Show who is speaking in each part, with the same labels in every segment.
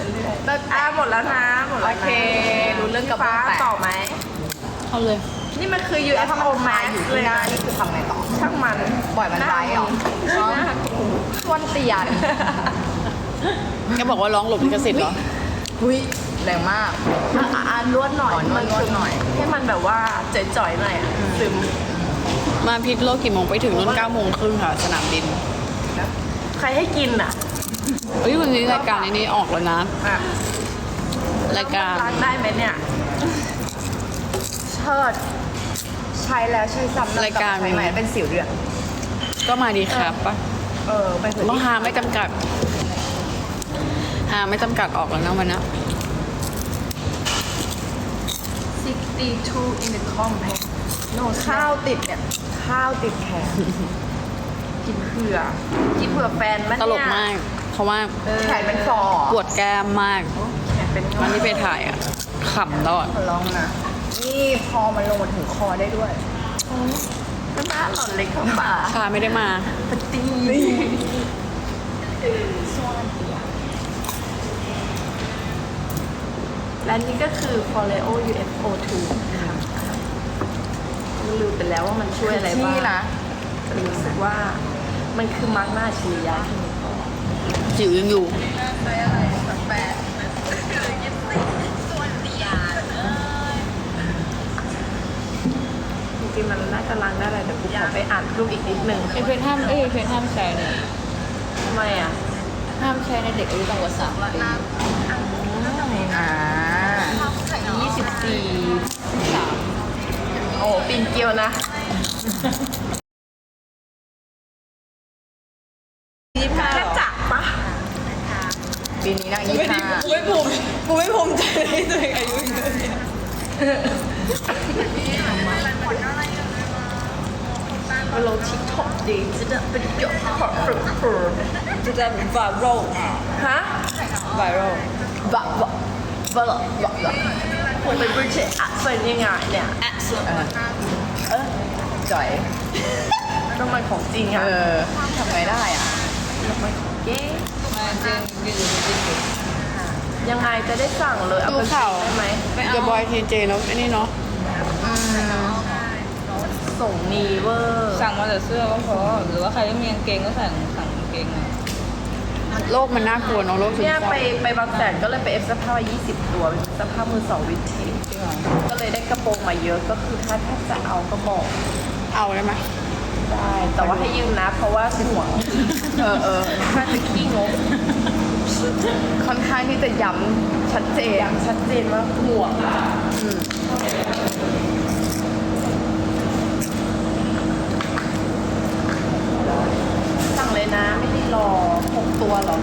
Speaker 1: หมดแล้วนะหมดแล้ว
Speaker 2: โอเคดูเรื่องกระ
Speaker 1: ฟ้า
Speaker 2: เบื้องแตก
Speaker 1: ต่อไหม
Speaker 3: เอาเลย
Speaker 1: นี่มันคือ
Speaker 2: แล้วถ้า
Speaker 1: UFO
Speaker 2: มันคา
Speaker 1: Max
Speaker 2: อยู่
Speaker 1: เล
Speaker 2: ที่
Speaker 1: ย
Speaker 2: หน้า
Speaker 1: นะ
Speaker 2: นี่คือทำไงต่อ
Speaker 1: ช่างมัน
Speaker 2: ปล่อยมันไปเหรอ
Speaker 1: ชวนเตียน
Speaker 3: แกบอกว่าร้องหลบลิขสิทธิ์เหรอ
Speaker 2: หุ้ยแรงมาก
Speaker 1: นวดหน่อย
Speaker 2: นวดหน่อย
Speaker 1: ให้มันแบบว่าจ่อยๆหน่อยอะซึม
Speaker 3: มาพิษโลกกี่โมงไปถึงนู่น9:30ค่ะ สนามบิน
Speaker 1: ใครให้กินอ่ะ
Speaker 3: เฮ้ยวันนี้รายการนี้ออกแล้วนะ
Speaker 1: อ่ะ
Speaker 3: รายการ
Speaker 1: ล้างได้ไหมเนี่ย
Speaker 2: เชิดใช้แล้วใช้ซ้ำ
Speaker 3: รายการ
Speaker 2: ใช้ใหม่เป็นสิวเดือด
Speaker 3: ก็มาดีครับปะ
Speaker 2: ไปเถอะ
Speaker 3: ต้องหาไม่จำกัด หาไม่จำกัดออกแล้วนะวันนี้
Speaker 1: 62 in the compact
Speaker 2: โน่ข้าวติดเนี่ย ข้าวติดแขน
Speaker 1: กินเผื่อแฟนมัน
Speaker 3: ต
Speaker 1: เนี่ย
Speaker 3: ลกมาก เพราะว่า
Speaker 2: แขนเป็นฟอ
Speaker 3: ปวดแก้มมาก
Speaker 1: แขนเป็น
Speaker 3: วันที่ไปถ่ายอ่ะขำตลอด
Speaker 2: ขอลองนะ นี่พอมันลงมาถึงคอได้ด้วย
Speaker 1: น้ำตาหล่อนเล็กเข้าป่า
Speaker 3: ชาไม่ได้มา
Speaker 1: ปตีและนี่ก็คือ Foreo UFO 2ค่ะลืมไปแล้วว่ามันช่วยอะไรบ้าง
Speaker 2: นี่นะ
Speaker 1: แต่รู้สึกว่ามันคือมาร์กหน้าอัจฉริยะที่มี
Speaker 3: จิ๋วยังอยู่
Speaker 1: จริงๆมันน่าจะล้างได้อะไรแต่กูขอไปอ่านรูปอีกนิดนึง
Speaker 3: เพชรห้ามเพชรห้ามใช้เนี่ย
Speaker 1: ทำไมอ่ะ
Speaker 3: ห้ามใช้ในเด็กอายุต่ำกว่า3 ปี
Speaker 2: อ่า
Speaker 1: โอ้ปีนเกลียวนะ แค่จักปะ
Speaker 2: ปีนี้นาง25
Speaker 3: กูไม่ภูมิใจเลยตัวเองอายุเยอะเนี่ย
Speaker 1: มาลงทิกท็อกดีจะได้เป็นเกี่ยวกับฝึก
Speaker 3: จะได้ไวรัล
Speaker 1: ฮะ
Speaker 3: ไวรัล
Speaker 1: บะผมเป็นบริเชตอ่ะเป็นยังไงเนี่ย
Speaker 2: จ่อย
Speaker 1: น้ำมันของจริง
Speaker 2: เอ
Speaker 1: อ่ะ
Speaker 2: อทำไงได้อ่ะ
Speaker 1: น้ำมันของเก๊
Speaker 3: มาจริงยืนจริง
Speaker 1: ยังไงจะได้สั่งเลยเอา
Speaker 3: ดู
Speaker 1: ไป
Speaker 3: ข่าว
Speaker 1: ได้ไหม
Speaker 3: กับบอยทีเจเนาะไอ้นี่เนาะ
Speaker 1: ส่งนีเวอร์
Speaker 4: สั่งมาแต่เสื้อก็พอหรือว่าใครไม่มีกางเกงก็สั่งกางเกงมา
Speaker 3: โลกมันน่ากลัวเนาะโลกซึม
Speaker 1: เนี่ย
Speaker 3: เศร้า
Speaker 1: ไปบางแสนก็เลยไปเอฟเสื้อผ้า20 ตัวเป็นเสื้อผ้ามือสองวินเทจก็เลยได้กระโปรงมาเยอะก็คือถ้าจะเอาก็บอก
Speaker 3: เอาได้ไหม
Speaker 1: ได้แต่ว่าให้ยืมนะ เพราะว่าห่วง ถ้าจะขี้งก
Speaker 2: ค่อนข้างที่จะย้ำชัดเจน
Speaker 1: อย่างชัดเจนว่าห่วงสั่งเลยนะไม่ได้รอ6 ตัวหรอก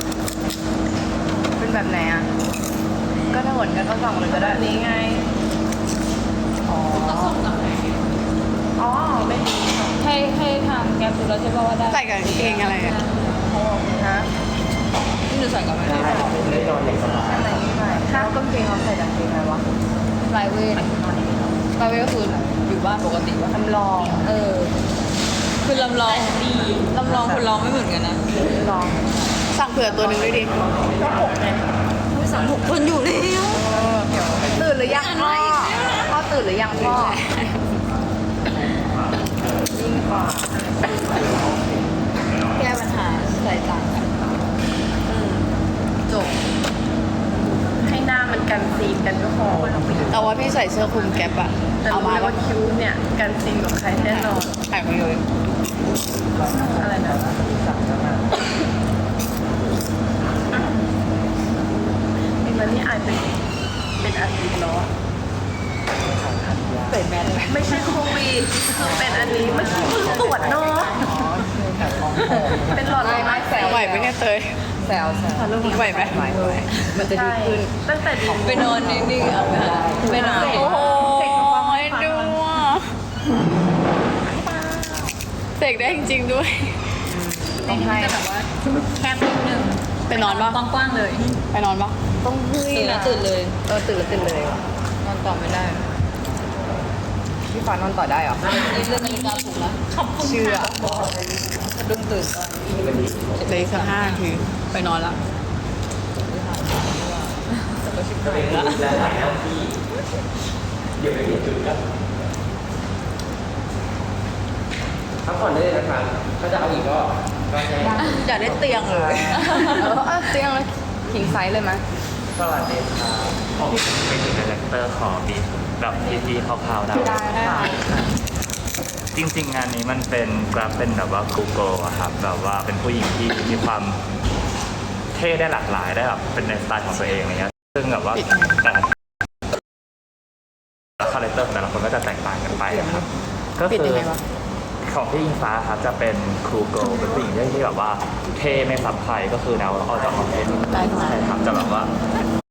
Speaker 2: เป็นแบบไหนอ่ะ ก็ถ้าเหมือนกันก็สั่งเลยก็ได้
Speaker 1: แบบนี้ไง
Speaker 2: อ๋อ
Speaker 1: อ๋อไม่มี
Speaker 4: ให้ทางแกปดูแล้วใช่ป่ะว่าได้
Speaker 3: ใส่กับกางเกงอะไรอะ
Speaker 2: ฮะ
Speaker 4: ที่หนูใส่กับอะไร
Speaker 2: อะไรนี่ใช่ถ้ากางเกงเราใส่กางเกงอะไรวะ
Speaker 4: ไพรเวทไพรเวทก็คืออยู่บ้านปกติว่า
Speaker 2: ทำลอง
Speaker 4: คือลำลองคนร้องไม่เหมือนกันนะ
Speaker 2: ลอง
Speaker 3: สั่งเผื่อตัวหนึ่งด้วยดิ
Speaker 1: ก็6ไง
Speaker 4: ไม่สั่ง6 คนอยู่แล้ว
Speaker 2: ตื่นหรือยังพ่อพ่อตื่นหรือยังพ่อ
Speaker 1: ยิ่งกว่า
Speaker 4: แก้ปัญหาใส่ต่างกัน
Speaker 1: จบ ให้หน้ามันกันซีนกันก็พอ
Speaker 3: แต่ว่าพี่ใส่เสื้อคลุมแก๊ปอะ
Speaker 1: แต่
Speaker 3: เอา
Speaker 1: รู้
Speaker 3: มา
Speaker 1: เลย
Speaker 3: ปะ
Speaker 1: ว่าคิ้วเนี่ยกันซีนกับใครแน่นอน
Speaker 3: ใส่มาเลย
Speaker 1: อะไรนะเองแล้วนี่อายเป็นอาทิตย์แล้วอะ
Speaker 2: ใส่แมสไหม
Speaker 1: ไม่ใช่โควิดคือเป็นอันนี้เมื่อกี้เพิ่งตรวจเนาะเป็นหลอดลม
Speaker 2: ไม่แซว
Speaker 3: ไหวไหมเนี่ยเตย
Speaker 2: แซว
Speaker 3: ไหวไหม
Speaker 2: มันจะดี
Speaker 1: ใช่
Speaker 2: ขึ้น
Speaker 1: ตั้งแต่ดี
Speaker 4: ไปนอนนิ่งๆเอาไปหาไปนอน
Speaker 3: โอ้โหดูอ่ะเสกได้จริงๆด้วย
Speaker 2: ต้องให้
Speaker 4: จะแบบว่าแคบนิดนึง
Speaker 3: ไปนอนปะ
Speaker 4: กว้างๆเลย
Speaker 3: ไปนอนปะ
Speaker 2: ต้องให้
Speaker 4: ตื่นแล้วตื่นเลย
Speaker 2: ตื่นแล้วตื่นเลย
Speaker 4: นอนต่อไม่ได้
Speaker 2: พี่ฟ้านอนต่อได้เหรอ
Speaker 4: นี่เรื่องนาฬิกาปลุกแล้ว
Speaker 2: เชื่อ
Speaker 4: สะดุ้งตื่นตอน
Speaker 3: เหลยสัก5 นาทีไปนอนละ
Speaker 5: และหลายหน้าที่เดี๋ยวไปเปลี่ยนจุดกันพักผ่อนได้เลยนะครับถ้าจะเอาอีกก็ใช้
Speaker 4: อยากได้เตียงเลย
Speaker 2: เตียงแล้วขิงไซส์เลยไหม
Speaker 6: สวัสดีครับผมเป็นดีเลกเตอร์ของบีแบบพีคร่าวๆได้
Speaker 2: ได้ค่ะ
Speaker 6: จริงๆ งานนี้มันเป็นกราฟเป็นแบบว่า Google อะครับแบบว่าเป็นผู้หญิงที่มีความเท่ได้หลากหลายได้แบบเป็นในสไตล์ของตัวเองอะไรเงี้ยซึ่งแบบว่าแต่คาแรคเตอร์ของแต่ละคนก็จะแตกต่างกันไปอะครับก็
Speaker 2: ปิด
Speaker 6: คื
Speaker 2: ยัง
Speaker 6: อ
Speaker 2: ไงวะ
Speaker 6: ของพี่อิงฟ้าครับจะเป็นครูโกเป็นผู้หญิงที่แบบว่าเท่ไม่ซ้ำใครก็คือแนวออกจากออกเทน
Speaker 2: ได้ค่ะ
Speaker 6: ใช่ครับจะแบบว่า